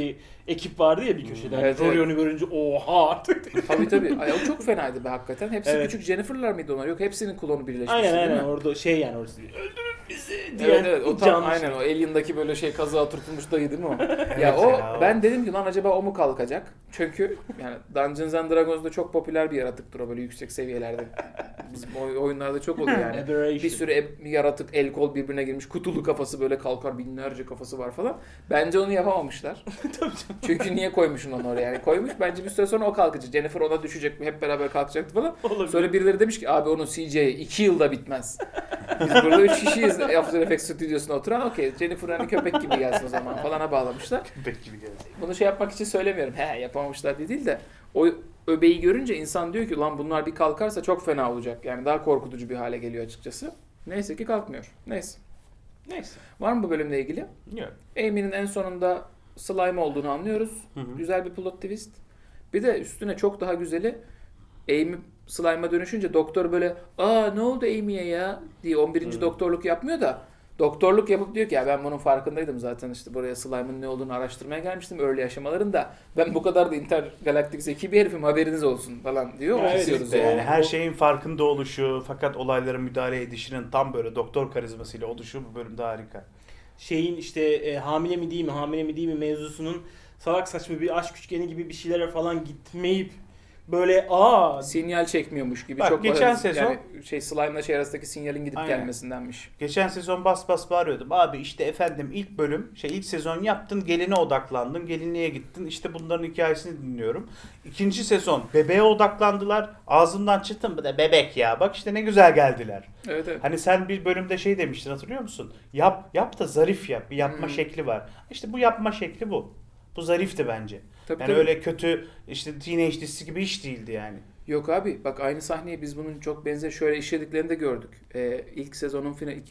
Speaker 2: ekip vardı ya bir köşede.
Speaker 1: Evet,
Speaker 2: Rory
Speaker 1: evet.
Speaker 2: onu görünce oha artık.
Speaker 1: Tabii. Ay, o çok fenaydı be hakikaten. Hepsi
Speaker 2: Evet.
Speaker 1: küçük Jennifer'lar mıydı onlar? Yok, hepsinin klonu birleşmişti
Speaker 2: Aynen
Speaker 1: değil mi?
Speaker 2: orada şey yani orası. Öldürün bizi diye.
Speaker 1: Evet o tam
Speaker 2: canlı
Speaker 1: aynen
Speaker 2: şey.
Speaker 1: o Alien'daki böyle şey kazığa oturtulmuş dayı değil mi o?
Speaker 3: Evet
Speaker 1: ya o
Speaker 3: ya, o.
Speaker 1: ben dedim ki lan acaba o mu kalkacak? Çünkü yani Dungeons and Dragons'da çok popüler bir yaratıktır o böyle yüksek seviyelerde. Bizim oyunlarda çok oluyor yani.
Speaker 2: Aberration.
Speaker 1: Bir sürü yaratık el kol birbirine girmiş, kutulu kafası böyle kalkar, binlerce kafası var falan. Bence onu yapamamışlar. Çünkü niye koymuşsun onu oraya? Yani koymuş, bence bir süre sonra o kalkacak. Jennifer ona düşecek mi? Hep beraber kalkacaktı falan.
Speaker 2: Olabilir.
Speaker 1: Sonra birileri demiş ki abi onun CGI 2 yılda bitmez. Biz burada 3 kişiyiz After Effects stüdyosuna oturan. Okey, Jennifer hani köpek gibi gelsin o zaman falana bağlamışlar.
Speaker 3: Köpek gibi geldi.
Speaker 1: Bunu şey yapmak için söylemiyorum. He yapamamışlar diye değil de o öbeği görünce insan diyor ki lan bunlar bir kalkarsa çok fena olacak. Yani daha korkutucu bir hale geliyor açıkçası. Neyse ki kalkmıyor. Neyse.
Speaker 2: Neyse.
Speaker 1: Var mı bu bölümle ilgili?
Speaker 3: Yok.
Speaker 1: Amy'nin en sonunda slime olduğunu anlıyoruz.
Speaker 3: Hı hı.
Speaker 1: Güzel bir plot twist. Bir de üstüne çok daha güzeli Amy slime'a dönüşünce doktor böyle aa ne oldu Amy'ye ya diye 11. doktorluk yapmıyor da doktorluk yapıp diyor ki ya ben bunun farkındaydım zaten işte buraya slime'ın ne olduğunu araştırmaya gelmiştim early aşamalarında. Ben bu kadar da intergalaktik zeki bir herifim haberiniz olsun falan diyor.
Speaker 2: Evet,
Speaker 1: Kesiyoruz
Speaker 2: işte
Speaker 1: yani.
Speaker 3: Yani her şeyin farkında oluşu fakat olaylara müdahale edişinin tam böyle doktor karizmasıyla oluşu bu bölümde harika.
Speaker 2: Şeyin işte hamile mi değil mi hamile mi değil mi mevzusunun salak saçma bir aşk üçgeni gibi bir şeylere falan gitmeyip böyle
Speaker 1: Sinyal çekmiyormuş gibi
Speaker 3: Bak,
Speaker 1: çok
Speaker 3: geçen
Speaker 1: yani
Speaker 3: sezon-
Speaker 1: şey slime'la şey arasındaki sinyalin gidip
Speaker 3: Aynen.
Speaker 1: gelmesindenmiş.
Speaker 3: Geçen sezon bas bas bağırıyordum. Abi işte efendim ilk bölüm, ilk sezon yaptın, geline odaklandın, gelinliğe gittin. İşte bunların hikayesini dinliyorum. İkinci sezon bebeğe odaklandılar. Ağzımdan çıktı mı da bebek ya. Bak işte ne güzel geldiler.
Speaker 1: Evet.
Speaker 3: Hani sen bir bölümde şey demiştin hatırlıyor musun? Yap da zarif yap. Bir yapma şekli var. İşte bu yapma şekli bu. Bu zarifti bence.
Speaker 1: Tabii,
Speaker 3: Yani
Speaker 1: tabii.
Speaker 3: öyle kötü işte teenage dizisi gibi iş değildi yani.
Speaker 1: Yok abi bak aynı sahneyi biz bunun çok benzer şöyle işlediklerini de gördük. İlk sezonun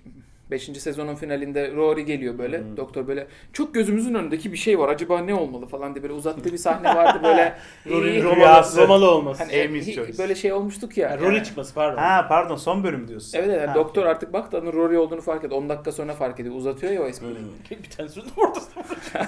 Speaker 1: 5. sezonun finalinde Rory geliyor böyle. Doktor böyle çok gözümüzün önündeki bir şey var. Acaba ne olmalı falan diye böyle uzattığı bir sahne vardı böyle.
Speaker 2: Rory'nin
Speaker 3: Rüyası.
Speaker 2: Romalı olması.
Speaker 1: Hani
Speaker 3: Amy's choice.
Speaker 1: böyle şey olmuştuk ya.
Speaker 2: Yani Rory çıkması pardon.
Speaker 3: Ha pardon son bölüm diyorsun.
Speaker 1: Evet evet
Speaker 3: Ha,
Speaker 1: doktor
Speaker 3: okey.
Speaker 1: artık baktı onun Rory olduğunu fark etti. 10 dakika sonra fark ediyor. Uzatıyor ya o espriyi.
Speaker 2: Bir tane sözüm ortasında.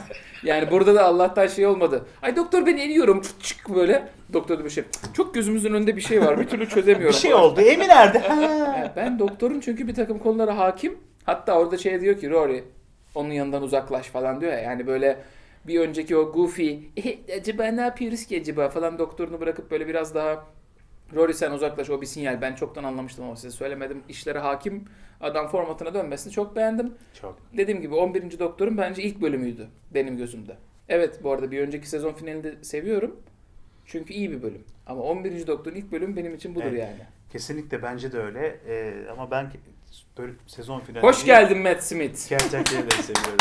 Speaker 1: Yani burada da Allah'tan şey olmadı. Ay doktor ben eriyorum çık böyle. Doktor da bir şey. Çok gözümüzün önünde bir şey var. Bir türlü çözemiyorum.
Speaker 3: Bir şey
Speaker 1: falan.
Speaker 3: oldu. Emi nerede? Ha.
Speaker 1: Yani ben doktorun çünkü bir takım konulara hakim. Hatta orada şey diyor ki Rory onun yanından uzaklaş falan diyor ya. Yani böyle bir önceki o goofy acaba ne yapıyoruz ki acaba falan doktorunu bırakıp böyle biraz daha Rory sen uzaklaş o bir sinyal. Ben çoktan anlamıştım ama size söylemedim. İşlere hakim adam formatına dönmesini çok beğendim.
Speaker 3: Çok.
Speaker 1: Dediğim gibi 11. Doktor'un bence ilk bölümüydü benim gözümde. Evet bu arada bir önceki sezon finalini de seviyorum. Çünkü iyi bir bölüm. Ama 11. Doktor'un ilk bölümü benim için budur
Speaker 3: Evet.
Speaker 1: yani.
Speaker 3: Kesinlikle bence de öyle. Ama ben böyle sezon finali...
Speaker 1: Hoş geldin Matt Smith.
Speaker 3: Gerçekten de seviyorum.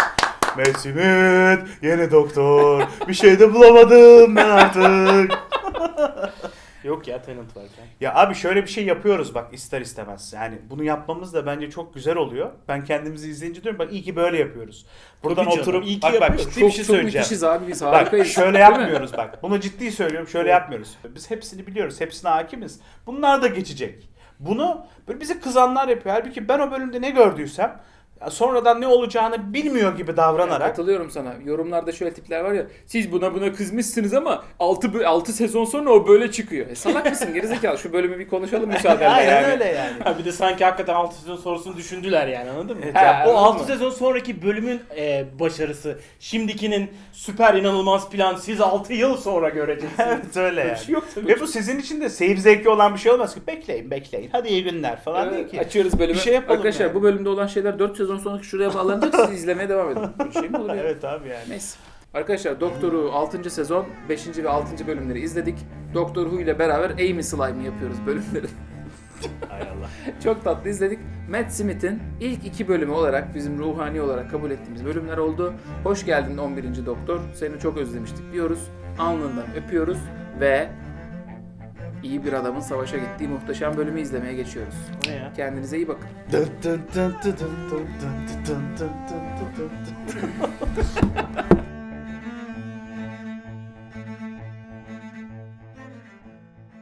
Speaker 3: Matt Smith, yeni doktor. Bir şey de bulamadım ben artık.
Speaker 2: Yok ya Tenant varken.
Speaker 3: Ya abi şöyle bir şey yapıyoruz bak ister istemez. Yani bunu yapmamız da bence çok güzel oluyor. Ben kendimizi izleyince diyorum bak iyi ki böyle yapıyoruz. Buradan
Speaker 2: Tabii canım,
Speaker 3: oturup
Speaker 2: iyi ki
Speaker 3: bak
Speaker 2: yapıyoruz.
Speaker 3: ciddi bir şey
Speaker 1: Çok
Speaker 3: söyleyeceğim.
Speaker 1: müthişiz abi biz
Speaker 3: Bak
Speaker 1: harikayız.
Speaker 3: şöyle
Speaker 1: Değil mi?
Speaker 3: yapmıyoruz bak. Bunu ciddi söylüyorum. Şöyle yapmıyoruz. Biz hepsini biliyoruz. Hepsine hakimiz. Bunlar da geçecek. Bunu böyle bizi kızanlar yapıyor. Halbuki ben o bölümde ne gördüysem sonradan ne olacağını bilmiyor gibi
Speaker 1: Yani
Speaker 3: davranarak.
Speaker 1: katılıyorum sana. Yorumlarda şöyle tipler var ya. Siz buna kızmışsınız ama 6 sezon sonra o böyle çıkıyor. Salak mısın gerizekalı? Şu bölümü bir konuşalım müsaadenle
Speaker 3: Aynen
Speaker 1: yani.
Speaker 3: öyle yani.
Speaker 2: Ha bir de sanki hakikaten 6 sezon sonrasını düşündüler yani anladın mı?
Speaker 3: Evet,
Speaker 1: Ha,
Speaker 2: Ya, o
Speaker 1: anladın
Speaker 2: 6
Speaker 1: mı?
Speaker 2: sezon sonraki bölümün başarısı, şimdikinin süper inanılmaz plan siz 6 yıl sonra göreceksiniz.
Speaker 3: Evet öyle
Speaker 2: Böyle bir
Speaker 3: yani.
Speaker 2: şey yok tabii.
Speaker 3: Ve bu sizin için de seyir zevki olan bir şey olmaz ki. Bekleyin. Hadi iyi günler falan değil
Speaker 1: Evet,
Speaker 3: ki.
Speaker 1: açıyoruz bölümü.
Speaker 3: Bir şey yapalım
Speaker 1: Arkadaşlar
Speaker 3: yani.
Speaker 1: bu bölümde olan şeyler 4 sezon sonraki şuraya bağlanacak. Siz izlemeye devam edin. Böyle şey mi olur ya?
Speaker 3: Evet abi yani.
Speaker 1: Neyse. Arkadaşlar Doktor'u 6. sezon 5. ve 6. bölümleri izledik. Doktor Who ile beraber Amy Slime'ı yapıyoruz bölümleri.
Speaker 3: Hay Allah.
Speaker 1: Çok tatlı izledik. Matt Smith'in ilk 2 bölümü olarak bizim ruhani olarak kabul ettiğimiz bölümler oldu. Hoş geldin 11. Doktor. Seni çok özlemiştik diyoruz. Alnından öpüyoruz ve iyi bir adamın savaşa gittiği muhteşem bölümü izlemeye geçiyoruz.
Speaker 2: O ne ya?
Speaker 1: Kendinize iyi bakın.
Speaker 3: Dın dın dın dın dın dın dın dın dın dın dın dın.